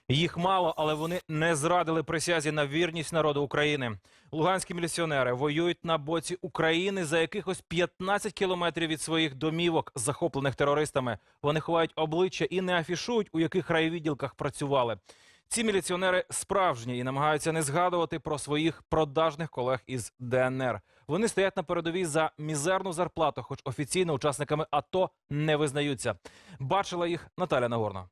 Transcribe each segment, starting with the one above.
Їх мало, але вони не зрадили присязі на вірність народу України. Луганські міліціонери воюють на боці України за якихось 15 кілометрів від своїх домівок, захоплених терористами. Вони ховають обличчя і не афішують, у яких райвідділках працювали. Ці міліціонери справжні і намагаються не згадувати про своїх продажних колег із ДНР. Вони стоять на передовій за мізерну зарплату, хоч офіційно учасниками АТО не визнаються. Бачила їх Наталя Нагорна.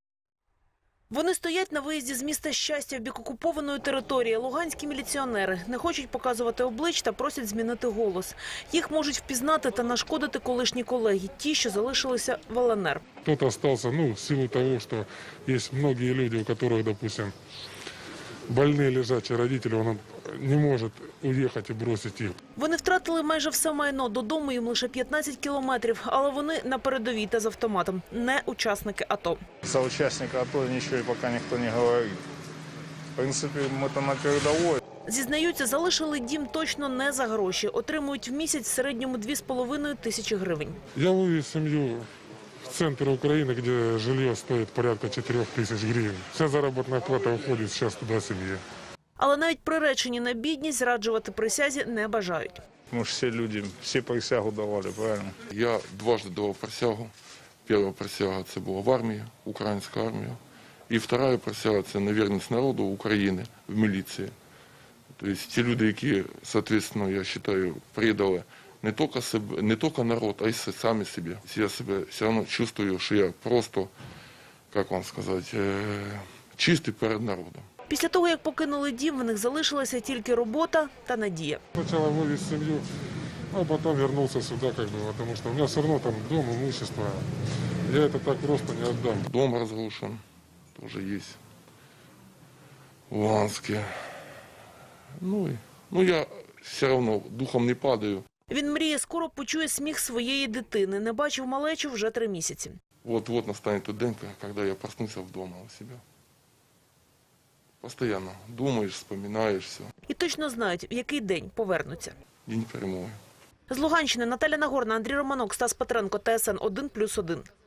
Вони стоять на виїзді з міста Щастя в бік окупованої території. Луганські міліціонери не хочуть показувати облич та просять змінити голос. Їх можуть впізнати та нашкодити колишні колеги, ті, що залишилися в ЛНР. Кто-то остался, в силу того, что есть многие люди, у которых, допустим, больные лежачие родители, он не может уехать и бросить их. Вони втратили майже все майно, додому їм лише 15 кілометрів, але вони на передовій та з автоматом, не учасники АТО. За участника АТО ничего пока никто не говорит. В принципе, мы там на передовой. Зізнаються, залишили дім точно не за гроші. Отримують в місяць в середньому 2,5 тисячі гривень. Я вывез семью в центр Украины, где жилье стоит порядка 4 тысяч гривен. Вся заработная плата уходит сейчас туда семье. Але навіть приречені на бідність зраджувати присязі не бажають. Мы же все люди, все присягу давали, правильно? Я дважды давал присягу. Первая присяга – це була в армії, українська армія. І вторая присяга – це на вірність народу України в міліції. Тобто ті люди, які, соответственно, я вважаю, предали не тільки народ, а й самі себе. Я себе все одно чувствую, що я просто, як вам сказати, чистий перед народом. Після того, як покинули дім, в них залишилася тільки робота та надія. Сначала вывез семью, а потом вернулся сюда, потому что у меня все равно там дом, имущество. Я это так просто не отдам. Дом разрушен, тоже есть. Луганский. Я все равно духом не падаю. Він мріє, скоро почує сміх своєї дитини. Не бачив малечу вже 3 місяці. Вот настанет тот день, когда я проснусь вдома у себя. Постоянно думаешь, вспоминаешь все. І точно знають, в який день повернуться. День перемоги. З Луганщини Наталя Нагорна, Андрій Романок, Стас Петренко, ТСН 1+1.